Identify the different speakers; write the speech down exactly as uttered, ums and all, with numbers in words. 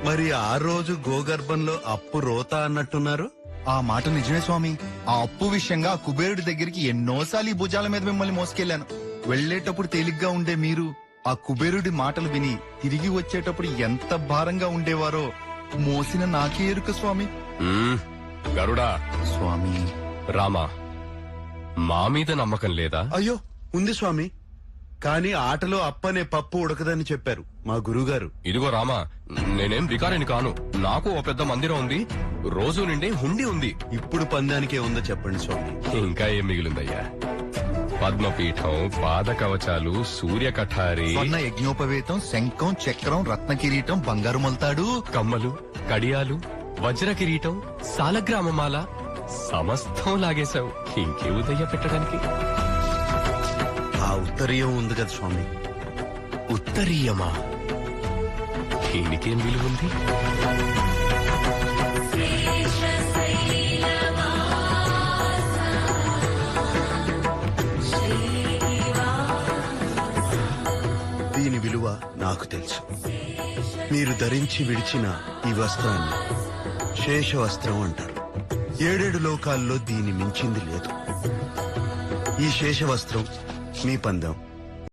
Speaker 1: మరి ఆ రోజు గోగర్భంలో అప్పు రోత అన్నట్టున్నారు.
Speaker 2: ఆ మాట నిజమే స్వామి. ఆ అప్పు విషయంగా ఆ కుబేరుడి దగ్గరికి ఎన్నోసార్లు ఈ భుజాల మీద మిమ్మల్ని మోసుకెళ్లాను. వెళ్లేటప్పుడు తేలిగ్గా ఉండే మీరు ఆ కుబేరుడి మాటలు విని తిరిగి వచ్చేటప్పుడు ఎంత భారంగా ఉండేవారో మోసిన నాకే ఎరుక స్వామి.
Speaker 3: మ్మ్. గరుడా
Speaker 2: స్వామి
Speaker 3: రామా, మా మీద నమ్మకం లేదా?
Speaker 1: అయ్యో ఉంది స్వామి, కానీ ఆటలో అప్పనే పప్పు ఉడకదని చెప్పారు మా గురుగారు.
Speaker 3: ఇదిగో రామా, నేనేం బికారిని కాను. నాకు ఓ పెద్ద మందిరం ఉంది, రోజు నిండే హుండీ ఉంది.
Speaker 1: ఇప్పుడు పందానికే ఉందో చెప్పండి స్వామి.
Speaker 3: ఇంకా ఏం మిగిలిందయ్యా? పద్మపీఠం, పాద కవచాలు, సూర్య కఠారి,
Speaker 2: స్వర్ణ యజ్ఞోపవేతం, శంఖం, చక్రం, రత్న కిరీటం, బంగారు మొలతాడు,
Speaker 3: కమ్మలు, కడియాలు, వజ్ర కిరీటం, సాలగ్రామమాల సమస్తం లాగేశావు. ఇంకే ఉదయ్య పెట్టడానికి?
Speaker 1: ఆ ఉత్తరీయం ఉంది కదా స్వామి.
Speaker 3: ఉత్తరీయమా? దీనికేం విలువ ఉంది?
Speaker 1: దీని విలువ నాకు తెలుసు. మీరు ధరించి విడిచిన ఈ వస్త్రాన్ని శేష వస్త్రం అంటారు. ఏడేడు లోకాల్లో దీని మించింది లేదు. ఈ శేష వస్త్రం మీ పందెం